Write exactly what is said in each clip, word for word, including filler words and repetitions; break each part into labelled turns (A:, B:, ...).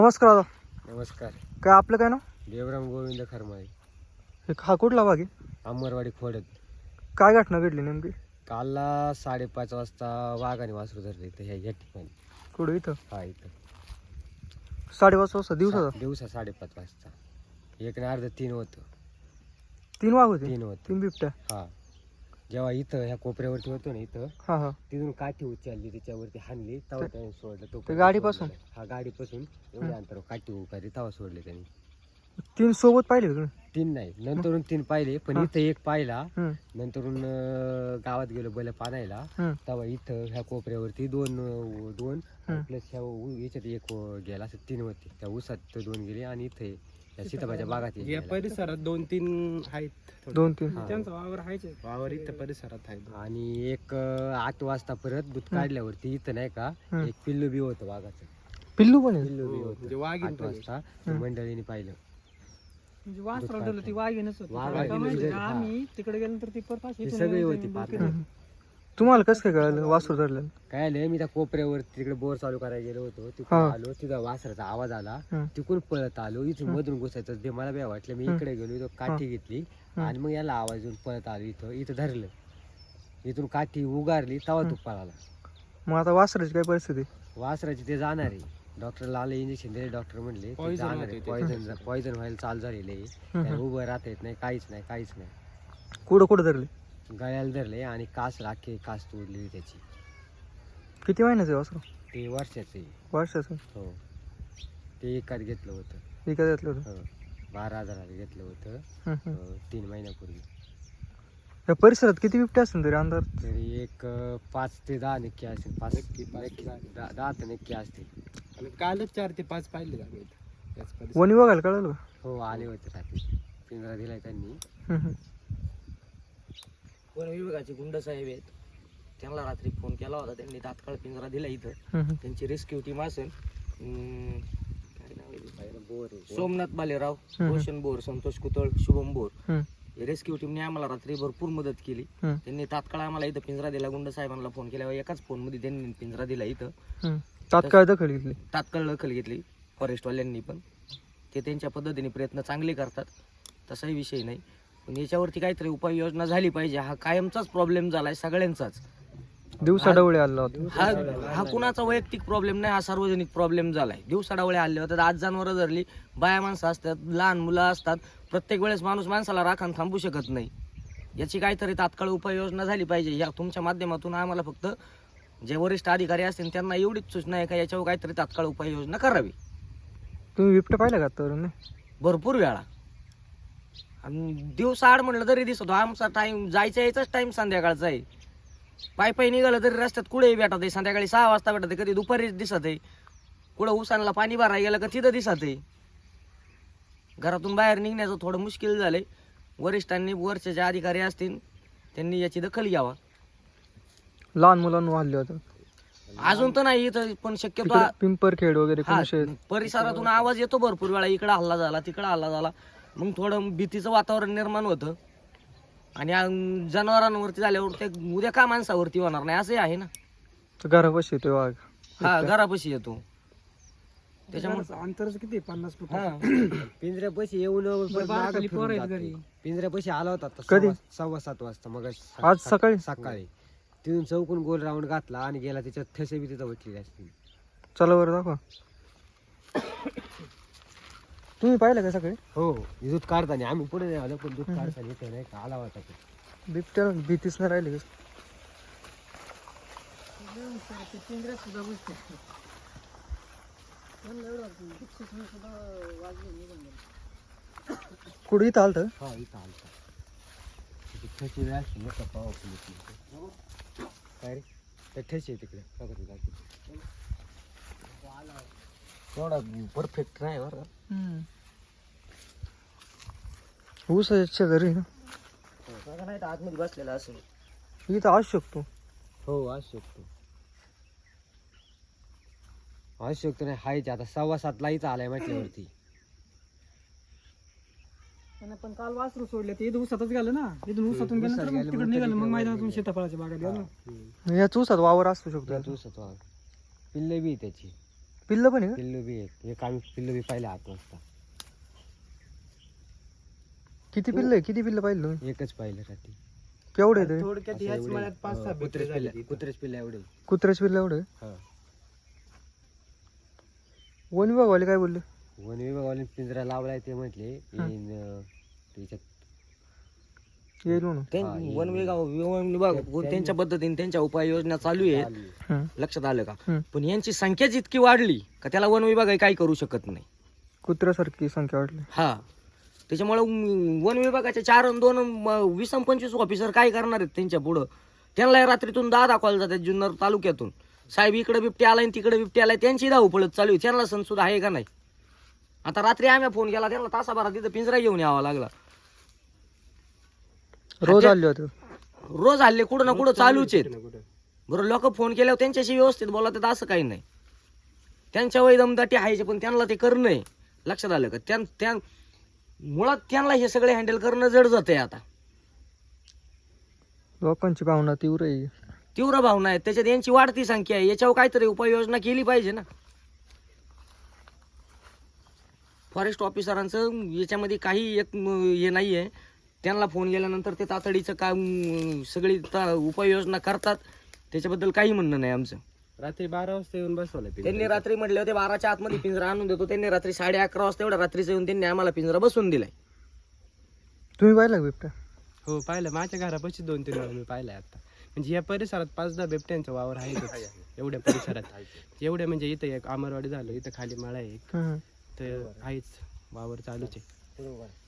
A: नमस्कार दादा.
B: नमस्कार.
A: काय आपलं काय नाव?
B: देवराम गोविंद खरमाळे.
A: हे हा कुठला भाग आहे?
B: अंबरवाडी खोडत.
A: काय घटना घडली नेमकी?
B: कालला साडेपाच वाजता वाघाने वासरू धरले इथं ह्या या ठिकाणी.
A: कुठं इथं?
B: हा इथं
A: साडेपाच वाजता दिवसाचा?
B: सा- दिवसा साडेपाच वाजता. एक ना अर्ध तीन होतं.
A: तीन वाघ होते?
B: तीन होतं.
A: तीन बिबट्या?
B: हा जेव्हा इथं ह्या कोपऱ्यावरती होतो ना इथं
A: हा हा.
B: तिथून काठी उचलली त्याच्यावरती हाणली तवा त्याने सोडलं. तो
A: ते गाडीपासून?
B: हा गाडीपासून एवढ्या अंतरावर काठी उकारी तवा सोडले त्यांनी.
A: तीन सोबत पाहिले का तुम्ही?
B: तीन नाही नंतरून तीन पाहिले पण
A: हा.
B: इथं एक पाहिला.
A: हम्म,
B: नंतरून अं, गावात गेलो बैल पाणायला
A: हम्म,
B: तेव्हा इथं ह्या कोपऱ्यावरती दोन अं, दोन
A: हम्म.
B: प्लस ह्या उ- याच्यात एक अं, गेला असं तीन होते. त्या ऊसात दोन गेले आणि इथे या सीताबाच्या बागात एक
C: या
B: गेला.
C: परिसरात दोन तीन आहेत.
A: दोन तीन.
B: हा.
C: त्यांचा वावर आहेच आहे. वावर इथं परिसरात आहे.
B: आणि एक अं, आठ वाजता परत दूध काढल्यावरती इथं नाही का
A: हम्म.
B: एक पिल्लू बी होतं वाघाचं.
A: पिल्लू पण आहे?
B: पिल्लू बी
C: हो, म्हणजे
B: होतं
C: वाघीण
B: आठ
C: पण आहे.
B: वाजता
A: हम्म.
B: मंडळीने पाहिलं.
D: म्हणजे वास
B: दूध
D: रडलं ती
B: काढताना.
D: वाघीणच होती.
B: वाघीण
D: का माहिती
B: म्हणजे
D: का?
B: हा.
D: आम्ही तिकडे गेल्यानंतर ती परत
B: ती सगळी होती पाहत.
A: हम्म. तुम्हाला कसं काय कळलं वासरू धरलं?
B: काय आलं मी त्या कोपऱ्यावर तिकडे बोर चालू करायला गेलो होतो.
A: हा.
B: तिकडे आलो तिथं वासराचा आवाज आला.
A: हम्म.
B: तिकडून पळत आलो. इथून मधून घुसायचं ते मला बी वाटलं. मी
A: हम्म.
B: इकडे गेलो इथं काठी घेतली
A: हम्म.
B: आणि मग याला आवाज येऊन पळत आलो. इथं इथं धरलं. इथून काठी उगारली तवा तू पळाला.
A: मग आता वासराची काय परिस्थिती?
B: वासराची ते जाणार आहे. डॉक्टरला आले इंजेक्शन दिले. डॉक्टर म्हणले ते
C: Poison
B: जाणार
C: होते
B: आहे.
C: ते.
B: पॉइझन पॉइझन व्हायला चालू झालेले आहे.
A: हम्म.
B: त्याला उभं राहता येत नाही काहीच नाही काहीच नाही.
A: कुठं कुठं धरले?
B: गळ्याला धरले आणि कास राखे कास तोडली त्याची.
A: किती महिन्याचं आहे वासरू?
B: ते वर्षाचे आहे.
A: वर्षाचं?
B: हो ते एकात घेतलं होतं.
A: विकत घेतलं होतं?
B: हो बारा हजाराला घेतलं होतं.
A: हम्म, हम्म.
B: अं, तीन महिन्यापूर्वी.
A: या परिसरात किती बिबट्या असतील तरी अंदाज?
B: तरी एक अं, पाच ते दहा नक्की असतील. पाच
C: नक्की, पाच
B: नक्की
C: ते दहा.
B: दहा दहा तर नक्की असतील.
C: आणि कालच चार ते पाच पाहिले आम्ही इथं. त्याच परिसरात.
A: वणी बघायला कळलं का?
B: हो आले होते रात्री. पिंजरा दिलाय त्यांनी.
A: हम्म, हम्म.
E: वन विभागाचे गुंड साहेब आहेत, त्यांना रात्री फोन केला होता. त्यांनी तात्काळ पिंजरा दिला इथं.
A: हम्म, हम्म.
E: त्यांची रेस्क्यू टीम असेल. अं, काय नाव आहे त्याचं?
B: बोर आहे.
E: सोमनाथ बालेराव,
A: हम्म.
E: रोशन बोर, संतोष कुतळ, शुभम बोर.
A: हम्म.
E: या रेस्क्यू टीमने आम्हाला रात्री भरपूर मदत केली.
A: हम्म.
E: त्यांनी तात्काळ आम्हाला इथं पिंजरा दिला. गुंड साहेबांना फोन केल्यावर एकाच फोनमध्ये त्यांनी पिंजरा दिला इथं.
A: हम्म. तात्काळ दखल घेतली?
E: तात्काळ दखल घेतली फॉरेस्टवाल्यांनी पण. ते त्यांच्या पद्धतीने प्रयत्न चांगले करतात, तसाही विषय नाही. पण याच्यावरती काहीतरी उपाययोजना झाली पाहिजे. हा कायमचाच प्रॉब्लेम झालाय सगळ्यांचाच.
A: दिवसाढवळे आला होता?
E: हा हा कुणाचा वैयक्तिक प्रॉब्लेम नाही, हा सार्वजनिक प्रॉब्लेम झालाय. दिवसाडावळे आले होतात, आज जनावरं धरली, बाया माणसं असतात, लहान मुलं असतात. प्रत्येक वेळेस माणूस माणसाला राखण थांबू शकत नाही. याची काहीतरी तात्काळ उपाययोजना झाली पाहिजे. या तुमच्या माध्यमातून आम्हाला फक्त जे वरिष्ठ अधिकारी असतील त्यांना एवढीच सूचना आहे का याच्यावर काहीतरी तात्काळ उपाययोजना करावी.
A: तुम्ही बिबट्या पाहिला का आतावरून?
E: भरपूर वेळा आणि दिवस आड म्हटलं तरी दिसतो. आमचा टाइम जायचा यायचाच टाइम संध्याकाळचा आहे. पाय पाय निघालं तरी रस्त्यात कुठेही भेटत आहे. संध्याकाळी सहा वाजता भेटत आहे, कधी दुपारीच दिसत आहे. कुठं उसानला पाणी भरायला गेलं का तिथं दिसत आहे. घरातून बाहेर निघण्याचं थोडं मुश्किल झालंय. वरिष्ठांनी वरचे जे अधिकारी असतील त्यांनी याची दखल घ्यावा.
A: लहान मुलांना हल्ले होते
E: अजून तर नाही इथं, पण शक्यतो
A: तिकडे पिंपरखेड वगैरे
E: हा,
A: कोणशे?
E: परिसरातून आवाज येतो भरपूर वेळा, इकडं हल्ला झाला तिकडं हल्ला झाला. मग थोडं भीतीचं वातावरण निर्माण होतं. आणि अं, जनावरांवरती झाल्यावर ते उद्या का माणसावरती होणार नाही असंही आहे ना.
A: घरापाशी येतो वाघ?
E: हा घरापाशी येतो त्याच्यामुळे.
D: अंतरच किती? पन्नास फूट.
E: हा
B: पिंजऱ्यापाशी येऊन परत मागं
D: खाली
B: फिरून
D: पोरं आहेत
B: जातो.
D: घरी.
B: पिंजऱ्यापाशी आला होता आता
A: कधी?
B: सव्वा- सव्वा सात वाजता. मग
A: आज सकाळी?
B: सकाळी तिथून चौकून गोल राऊंड घातला आणि गेला. त्याच्यात ठसे बी तिथं बसलेले असतील.
A: चला बरं दाखवा. तुम्ही पाहिलं का सकाळी?
B: हो दूध काढताना आम्ही पुढे नाही आलो पण दूध काढताना इथे नाही का आला होता तो.
A: बिबट्या भीतीच नाही राहिली का?
D: सुद्धा बसते.
A: कुठे इथं आलतं?
B: हा इथं आलता. तिथे ठसे बी असतील नाही का powerful इथले. काय रे त्या ठसे आहे तिकडे बघा तू दाखव.
E: थोडा परफेक्ट नाही बरं.
A: ऊसाच्या घरी ना?
E: बघा नाही तर आतमध्ये बसलेला असेल.
A: इथं असू शकतो.
B: हो असू शकतो. असू शकतो नाही हायच. आता सव्वा सातला इथं आलाय म्हटल्यावरती.
D: पण काल वासरू सोडले ते इथं उसातच गेलं ना. इथून उसातून
B: उसात
D: गेलं
B: गेलं,
D: तिकडे
B: मग
D: निघालं. मग
B: तिकडे
D: मैदानातून
B: गेलं.
D: शेताफळाच्या बागात गेलो.
A: या ऊसात वावर असू शकतो.
B: पिल्ले बी त्याची.
A: पिल्लं पण आहे का?
B: पिल्लू बी एक एक आम्ही पिल्लू बी पाहिले आठ वाजता.
A: किती पिल्लं आहे? किती पिल्लं पाहिलं तुम्ही?
B: एकच पाहिलं रात्री.
A: केवढे आहे ते?
C: थोडक्यात
B: असं
C: ह्याच
B: एवढे,
C: मळ्यात पाच
B: अं,
C: सहा
B: कुत्रेच
C: बिबटे झाले
B: पिल्लं कुत्रेच पिल्लं एवढे.
A: कुत्र्याचे पिल्लं एवढे?
B: हा.
A: वन विभागवाले काय बोलले?
B: वन विभागाने पिंजरा लावलाय ते म्हटले येईन, अं, त्याच्यात
A: येईल म्हणून.
E: त्यां-
B: हा,
E: वन विभाग वन विभाग त्यांच्या पद्धतीने त्यांच्या उपाययोजना चालू आहेत.
B: चालू आहे.
A: हं.
E: लक्षात आलं का?
A: हं.
E: पण यांची संख्याच इतकी वाढली का त्याला वन विभाग काही करू शकत नाही.
A: कुत्र्यासारखी संख्या वाढली.
E: हा, त्याच्यामुळे वन विभागाचे चार आणि दोन म- वीस आणि पंचवीस ऑफिसर काय करणार आहेत त्यांच्या पुढं? त्यांना रात्रीतून दहा दाखवायला जातात जुन्नर तालुक्यातून. साहेब इकडे बिबटे आलाय आणि तिकडे बिबटे आलाय, त्यांची धावपळत चालू आहे. त्यांना सण सुद्धा आहे का नाही? आता रात्री आम्ही फोन केला त्यांना, तासाभरात तिथं पिंजरा घेऊन यावा लागला.
A: रोज आले होते.
E: रोज हल्ले कुठं ना कुठं चालूच आहेत. बरं, लोक फोन केल्यावर त्यांच्याशी व्यवस्थित बोलतात असं काही नाही. त्यांच्या वय दमदाटी आहे पण त्यांना ते करणं आहे. लक्षात आलं का? त्या त्या मुळात त्यांना हे सगळे हँडल करणं जड जातंय. आता
A: लोकांची भावना तीव्र आहे.
E: तीव्र भावना आहेत, त्याच्यात यांची वाढती संख्या आहे. याच्यावर काहीतरी उपाययोजना केली पाहिजे ना. फॉरेस्ट ऑफिसरांचं याच्यामध्ये काही एक म, हे नाही आहे. त्यांना फोन केल्यानंतर ते तातडीचं काम अं, सगळी ता- उपाययोजना करतात. त्याच्याबद्दल काही म्हणणं नाही आमचं.
C: रात्री बारा वाजता येऊन बसवलं
E: त्यांनी रात्री म्हटले होते बाराच्या आतमध्ये पिंजरा आणून देतो. त्यांनी रात्री साडे अकरा वाजता एवढ्या रात्रीचं येऊन त्यांनी आम्हाला पिंजरा बसवून दिलाय.
A: तुम्ही पाहिला का बिबट्या?
C: हो पाहिलं, माझ्या घरापाशी दोन तीन वेळा मी पाहिलंय आता. म्हणजे या परिसरात पाच दहा बिबट्यांचा वावर आहे एवढ्या परिसरात. एवढ्या म्हणजे इथं एक अमरवाडी झालं, इथं खाली मळा आहे एक,
A: हं.
C: तर आहेच वावर चालूच आहे.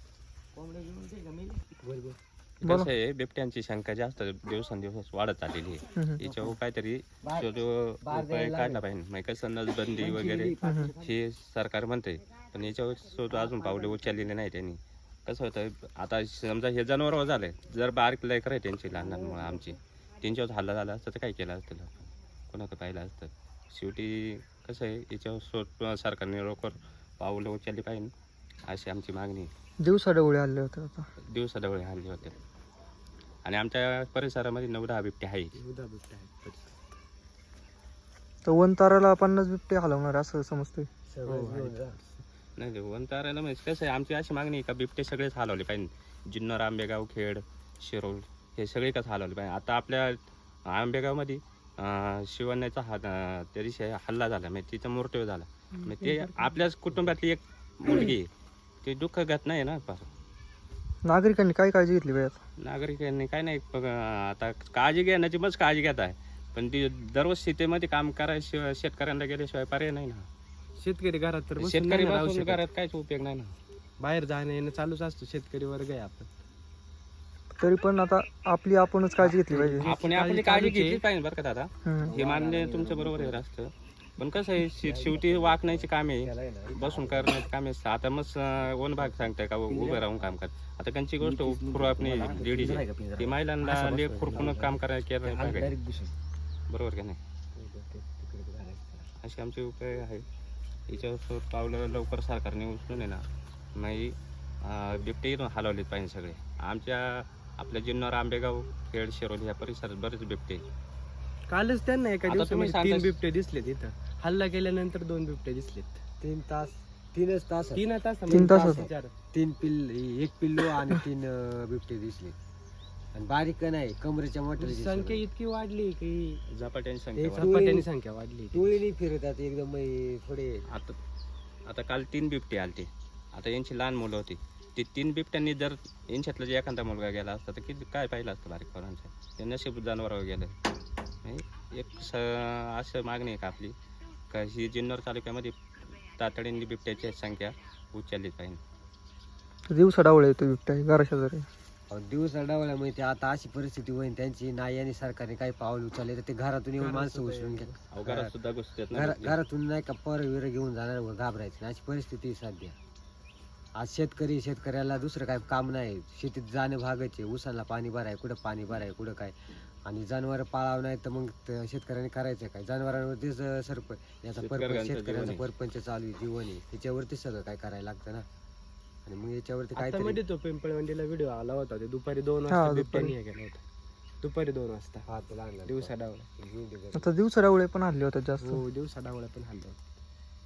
F: कसं आहे, बिबट्यांची संख्या जास्त दिवसेंदिवस वाढत चाललेली आहे.
A: हं.
F: याच्यावर काहीतरी जो जो उपाय काढला पाहिजे. म्हणजे कसं नसबंदी वगैरे हे सरकार म्हणते, पण याच्यावर सुद्धा अजून पावले उचललेले नाही त्यांनी. कसं होतं, आता समजा हे जनावर झालंय, जर बारीक लेकर आहे त्यांची लहान लहान मुलं आमची, त्यांच्यावर हल्ला झाला असतं तर काय केलं असतं, कोणाकडे पाहिलं असतं. शेवटी कसं आहे, याच्यावर सो सरकारने लवकर पावलं उचलली पाहिजे अशी आमची मागणी आहे.
A: दिवसा डवळे आले होते आता.
F: दिवसाढवळे हल्ले होते आणि आमच्या परिसरामध्ये नऊ दहा बिबटे आहे.
C: उदा बिबट्या आहेत परिसरात.
A: तर वन ताराला पन्नास बिबटे हलवणार असं समजतोय.
F: नाही वनतारायला म्हणजे कसं आहे, आमची अशी मागणी आहे का बिबटे सगळेच हलवले पाहिजे. जुन्नर, आंबेगाव, खेड, शिरोळ हे सगळे कसं हलवले पाहिजे. आता आपल्या आंबेगावमध्ये अं, शिवण्याचा हा अं, त्या दिवशी हल्ला झाला, म्हणजे तिचा मृत्यू झाला. म्हणजे ते आपल्याच कुटुंबातली एक मुलगी आहे. ते दुःख घटना आहे ना. फार
A: नागरिकांनी काय काळजी घेतली पाहिजे?
F: नागरिकांनी काय नाही, बघ, आता काळजी घेण्याची मग काळजी घेत आहे, पण ती दररोज शेतीमध्ये काम करायशिवाय शेतकऱ्यांना गेल्याशिवाय पर्याय नाही ना.
C: शेतकरी घरात तर बसून
F: शेतकरी
C: नाही ना राहू
F: बसून
C: शकत.
F: घरात काहीच उपयोग नाही ना.
C: बाहेर जाणं येणं चालूच असतो. शेतकरी वर्ग आहे आपण.
A: तरी पण आता आपली आपणच काळजी घेतली पाहिजे.
F: आपण आपली काळजी घेतली पाहिजे बरं का दादा.
A: हं.
F: हे मान्य तुमचं बरोबर आहे असतं, पण कसं आहे, शे- शेवटी वाकण्याची कामे बसून करण्याची कामे. आता मग वन भाग सांगताय का उभं राहून काम कर. आता त्यांची गोष्ट पूर्व आपली लेडीज आहे, ती महिलांना लेख खुरपून काम करायला केलं पाहिजे, बरोबर का नाही. असे आमचे उपाय आहे. याच्यावर पावलं लवकर सरकारने उचलून आहे ना, नाही बिबटे इथून हलवलेच पाहिजे सगळे. आमच्या आपल्या जुन्नर, आंबेगाव, खेड, शिरोली या परिसरात बरेच बिबटे.
C: कालच त्यांना एका
F: आता
C: दिवसामध्ये
F: तुम्ही
C: तीन
F: सांगताय-
C: बिबटे दिसलेत इथं. हल्ला केल्यानंतर दोन बिबटे दिसलेत.
B: तीन तास तीनच तास
C: तीन तास
A: तीन तासात.
C: चार.
B: तीन पिल्ल एक पिल्लू आणि तीन अं, बिबटे दिसले. आणि बारीक नाही, कमरेच्या मोठ्या
C: संख्या इतकी वाढली की
F: झपाट्याची संख्या
B: एक-
F: वाढली.
C: झपाट्याने संख्या वाढली.
B: टोळीने फिरतात एकदम हे थोडे.
F: आता आता काल तीन बिबटे आलते. आता यांची लहान मुलं होती. ते तीन बिबट्यांनी जर यांच्यातला जे एखादा मुलगा गेला असता तर किती काय पाहिलं असतं बारीक पोरांचं. ते नशीब जनावरावर गेलं. नाही, एक स असं मागणी आहे का आपली का ही जुन्नर तालुक्यामध्ये तातडीने बिबट्याची संख्या उचललीच पाहिजे.
A: दिवसा डावळे येतो बिबट्या घराच्या जरी.
B: दिवस डावल्यामुळे ते आता अशी परिस्थिती होईल त्यांची, नाही आणि सरकारने काही पाऊल उचलले तर ते घरातून येऊन माणसं उचलून घ्या.
F: अवघरात सुद्धा घुसतात ना
B: घरा-
F: बिबटे.
B: घरातून नाही का पर विर घेऊन जाणार व घाबरायचं नाही, अशी परिस्थिती आहे सध्या. आज शेतकरी शेतकऱ्याला दुसरं काय काम नाही, शेतीत जाणं भागच आहे. ऊसाला पाणी भराय, कुठं पाणी भराय, कुठं काय. आणि जनावर पाळावं नाही तर मग त- शेतकऱ्याने करायचं काय. जनावरांवरतीच अं, सरप याचा परपंच,
F: शेतकऱ्यांचं
B: शेतकऱ्यांचा
F: जीवन आहे.
B: परपंच चालू आहे, जीवन आहे. त्याच्यावरती सगळं काय करायला लागतं ना. आणि मग याच्यावरती
C: आता
B: काहीतरी
C: मध्ये तो पिंपळवंडीला व्हिडिओ आला होता. ते दुपारी दोन
A: हा,
C: वाजता
A: दुपारी.
C: बिबट्याने हे केला होता. दुपारी दोन वाजता
B: हा, तो लहान लहान
C: दिवसा डावला.
B: घेऊन ते घरी.
A: आता दिवसा डावळे पण हल्ले होतात जास्त.
C: हो दिवसा डावला पण हल्ला होता.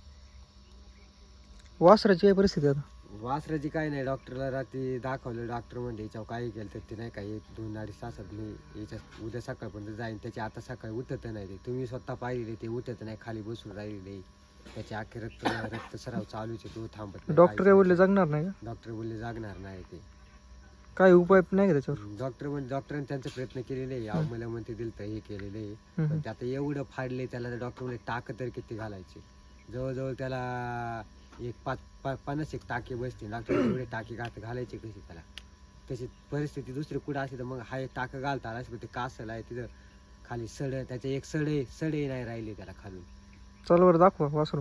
A: वासराची काय परिस्थिती आता?
B: वासराची काय नाही, डॉक्टरला रात्री दाखवलं, डॉक्टर म्हणजे याच्यावर काही केलं तर ते नाही काय एक दोन अडीच तासात मी याच्यात उद्या सकाळपर्यंत जाईन. त्याची आता सकाळी उठत नाही ते, तुम्ही स्वतः पाहिलेले ते उठत नाही, खाली बसून राहिलेले, त्याचे अख्खे रक्त रक्तस्राव चालूच आहे, तो थांबत नाही.
A: डॉक्टर काय बोलले जगणार नाही का?
B: डॉक्टर बोलले जागणार नाही ते.
A: काय उपाय नाही का त्याच्यावर?
B: डॉक्टर म्हणजे डॉक्टरांनी त्यांचे प्रयत्न केलेले आहे, अहो मला म्हणते दिलं तर हे केलेले आहे,
A: हम्म.
B: पण ते आता एवढं फाडले त्याला, डॉक्टर म्हणजे टाक तर किती घालायचे, जवळजवळ त्याला एक पाच पा- पन्नास एक टाके बसते. डॉक्टर एवढे टाके घात घालायचे कशी त्याला? तशी परिस्थिती दुसरी कुठं असते तर मग हा एक टाकं घालता आला, ते कासल आहे तिथं खाली सड, त्याचे एक सडे सडे नाही राहिले त्याला खालून.
A: चल बरं दाखवा वासरू.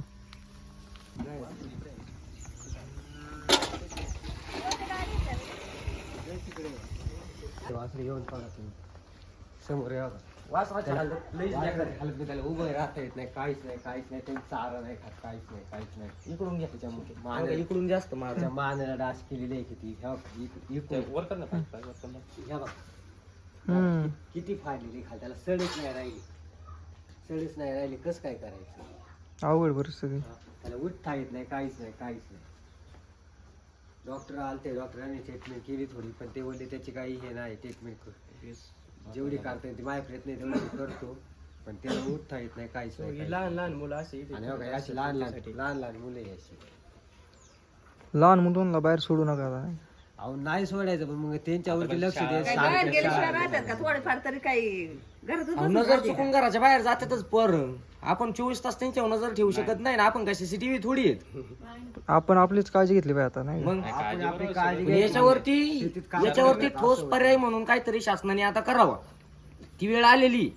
B: वासरे येऊन पडा तुम्ही समोर या बघा.
E: वासराच्या हालत लईच बेकार आहे.
B: हालत नाही, त्याला उभं राहता येत नाही, काहीच नाही काहीच नाही, त्यांनी चारा नाही खात, काहीच नाही काहीच नाही.
E: इकडून घ्या त्याच्यामुळे
B: मान-
E: इकडून जास्त मार
B: त्याच्या मानेला डास केलेली आहे किती, ह्या बघ, इक- इकडून ह्या बघ
A: हम्म.
B: किती फाडलेली खाल, त्याला सडच नाही राहिली, सडच नाही राहिली, कसं काय करायचं?
A: अवघड परिस्थिती.
B: त्याला उठता येत नाही, काहीच नाही काहीच नाही. डॉक्टर आलते, डॉक्टरांनी ट्रीटमेंट केली थोडी, पण ते बोलले त्याची काही हे नाही, ट्रीटमेंट जेवढी करता येते माझ्या प्रयत्न आहे तेवढी करतो, पण त्याला उठता येत नाही, काहीच नाही काहीच
C: लहान लहान मुलं असे इथे
B: नाही. आणि बघा, अशी लहान लहान लहान लहान मुलं आहे अशी.
A: लहान मुलांना बाहेर सोडू नका आता.
B: अहो नाही सोडायचं, पण मग त्यांच्यावरती लक्ष द्या.
G: काय बाहेर गेल्याशिवाय राहतात का थोडेफार तरी काही घरातच
E: अहो,
G: बसून
E: नजर
G: राहते
E: चुकून घराच्या बाहेर जातातच पर आपण चोवीस तास त्यांच्यावर नजर ठेवू शकत नाही ना, आपण काय सीसीटीव्ही थोडी आहेत.
A: आपण आपलीच काळजी घेतली पाहिजे आता नाही का?
E: मग
B: आपण आपली काळजी
E: पण
B: घ्यायची.
E: याच्यावरती
B: शेतीत काम
E: याच्यावरती
B: करायला
E: ठोस
B: असं
E: पर्याय म्हणून काहीतरी शासनाने आता करावा. ती वेळ आलेली.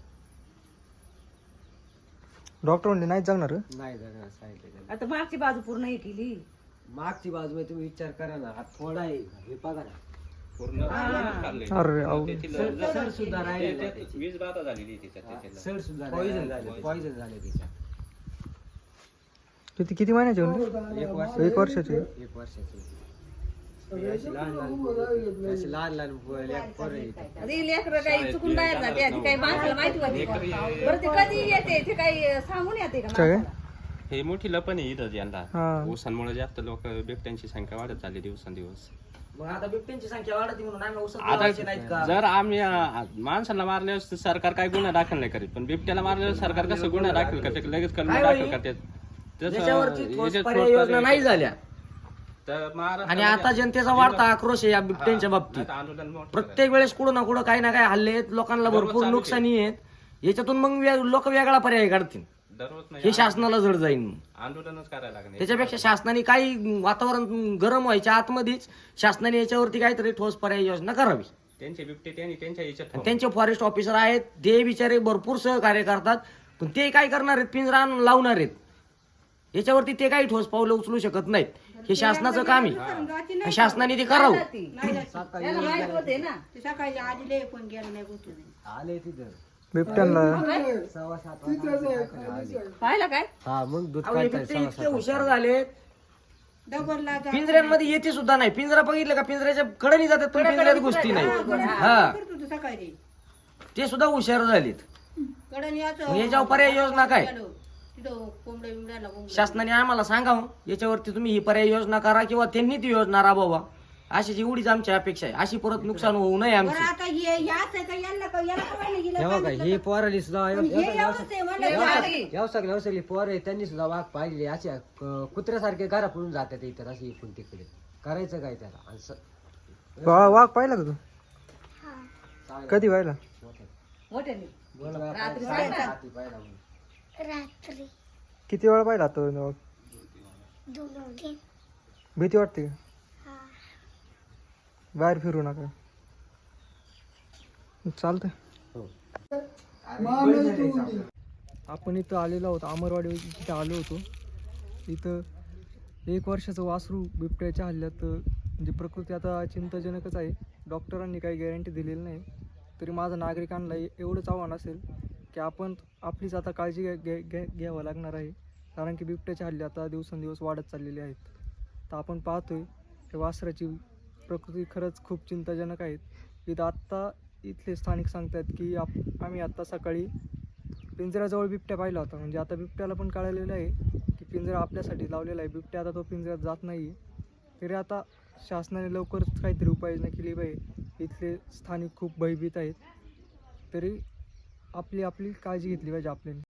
A: डॉक्टर म्हणले नाही जगणार का?
B: नाही जगणार सांगितलं.
G: आता मागची बाजू पूर्ण हे केली.
B: मागची बाजू आहे, तुम्ही विचार करा ना, हा थोडा आहे, हे बघा ना,
A: अरे अवघड.
B: सड सुद्धा राहिलेला आहे त्याची.
F: वीज बाधा झालेली आहे तिच्यात त्याच्याला.
B: सड सुद्धा पॉइझन झाले, पॉइझन झाले त्याच्यात.
A: किती किती महिन्याचे म्हणले?
B: एक वर्ष
A: एक वर्षाचे.
B: एक वर्षाची अशी लहान लहान पोरं- अशी लहान लहान पोरं- लेक- पोरं आहेत.
G: आता ही लेकरं काही चुकून बाहेर जाते ती काही माणसाला माहिती होती बरं, ते कधी येते ते काही सांगून येते का
A: काय?
G: माणसाला?
F: हे मोठी लपण आहे इथं यंदा.
A: हा.
F: ऊसांमुळे जास्त लोक बिबट्यांची संख्या वाढत चालली दिवसेंदिवस.
E: मग आता बिबट्यांची संख्या वाढती म्हणून आम्ही औषध
F: आता
E: लावायचे नाहीत का?
F: जर आम्ही अं, माणसाला मारल्यावर सरकार काय गुन्हा दाखल नाही करीत, पण बिबट्याला मारल्यावर सरकार कसं गुन्हा दाखल करते, लगेच कलम
E: काय
F: दाखल
E: होईल?
F: करते. तसं
E: याच्यावरती ठोस
F: याच्यात
E: पर्याय
F: ठोस
E: योजना
F: पर्याय-
E: नाही झाल्या.
F: तर महाराष्ट्रामध्ये
E: आणि आता जनतेचा वाढता आक्रोश आहे या बिबट्यांच्या बाबतीत.
F: आता आंदोलन मोठं
E: प्रत्येक वेळेस कुठं ना कुठं काही ना काही हल्ले आहेत, लोकांना भरपूर नुकसानी आहेत. याच्यातून मग लोक वेगळा पर्याय काढतील,
F: दररोज नाही
E: हे शासनाला जड जाईल.
F: आंदोलनच करायला लागणार.
E: त्याच्यापेक्षा शासनाने काही वातावरण गरम व्हायच्या आतमध्येच शासनाने याच्यावरती काहीतरी ठोस पर्याय योजना करावी.
F: त्यांचे बिबटे त्यांनी त्यांच्या याच्यात
E: आणि त्यांचे फॉरेस्ट ऑफिसर आहेत, ते बिचारे भरपूर सहकार्य करतात, पण ते काय करणार आहेत? पिंजरा आणून लावणार आहेत. याच्यावरती ते काही ठोस पावलं उचलू शकत नाहीत. हे शासनाचं काम आहे, आणि शासनाने ते करावं.
G: त्याला माहित होते ना.
H: सकाळी आलेले पण गेलं नाही गोष्ट नाही.
B: आले तिथं
A: बिबट्यांना
B: सव्वा सात वाजता आले.
G: पाहिलं काय?
B: हा मग दूध
E: अहो, हे
B: काढताय
E: बिबटे
B: सव्वा
E: इतके
B: सात
E: हुशार
B: वाजता.
E: झालेत,
H: डबलला जा-
E: पिंजऱ्यांमध्ये येते सुद्धा नाही. पिंजरा बघितलं का, पिंजऱ्याच्या कडेने जातात, पण पिंजऱ्यात गोष्टी नाही. हा,
H: करत होतो सकाळी
E: ते सुद्धा हुशार झालेत.
H: कडन याचं
E: मग याच्यावर पर्याय योजना काय?
H: गेलो. तिथं कोंबड्या बिंबड्याला कोंबड्या.
E: शासनाने आम्हाला सांगावं याच्यावरती तुम्ही ही पर्याय योजना करा, किंवा त्यांनी ती योजना राबवा. अशीच एवढीच आमची अपेक्षा आहे. अशी परत नुकसान होऊ नये
H: बरं
E: आमची.
H: आता हे याच आहे का याला का याला का नाही गेलं
B: हे बघा,
H: सांगितलं
B: हे
H: का?
B: पोराली सुद्धा
H: पण हे यावंच आहे म्हणलं
G: हे
H: का?
G: भारी.
B: व्यवसाय व्यवसायली पोर आहे, त्यांनी सुद्धा वाघ पाहिलेले असे क- कुत्र्यासारखे घरा पडून जातात इतर असे इकडून तिकडे. करायचं काय त्याला? आणि स-
A: वा- वाघ पाहिला का तू?
B: चालेल.
A: कधी पाहिला?
G: मोठ्याने
B: बोल बा,
G: रात्री
B: पाहिला,
G: पाहिला.
B: रात्री पाहिला म्हणून.
A: किती वेळा पाहिला आता वाघ? भीती वाटते का? बाहेर फिरू नका. चालतंय.
B: हो.
A: आपण इथं आलेलो आहोत, अमरवाडी इथं आलो होतो. इथं एक वर्षाचं वासरू बिबट्याच्या हल्ल्यात, म्हणजे प्रकृती आता चिंताजनकच आहे. डॉक्टरांनी काही गॅरंटी दिलेली नाही. तरी माझं नागरिकांना एवढंच आव्हान असेल की आपण आपलीच आता काळजी घ्या घ्या घ्या घ्यावं लागणार आहे. कारण की बिबट्याचे हल्ले आता दिवसेंदिवस वाढत चाललेले आहेत. तर आपण पाहतोय की वासराची प्रकृती खरंच खूप चिंताजनक आहेत. इथं आत्ता इथले स्थानिक सांगतात की आप आम्ही आत्ता सकाळी पिंजऱ्याजवळ बिबट्या पाहिला होता. म्हणजे आता बिबट्याला पण कळलेलं आहे की पिंजरा आपल्यासाठी लावलेला आहे, बिबट्या आता तो पिंजऱ्यात जात नाही आहे. तरी आता शासनाने लवकरच काहीतरी उपाययोजना केली पाहिजे. इथले स्थानिक खूप भयभीत आहेत, तरी आपली आपली काळजी घेतली पाहिजे आपल्याला.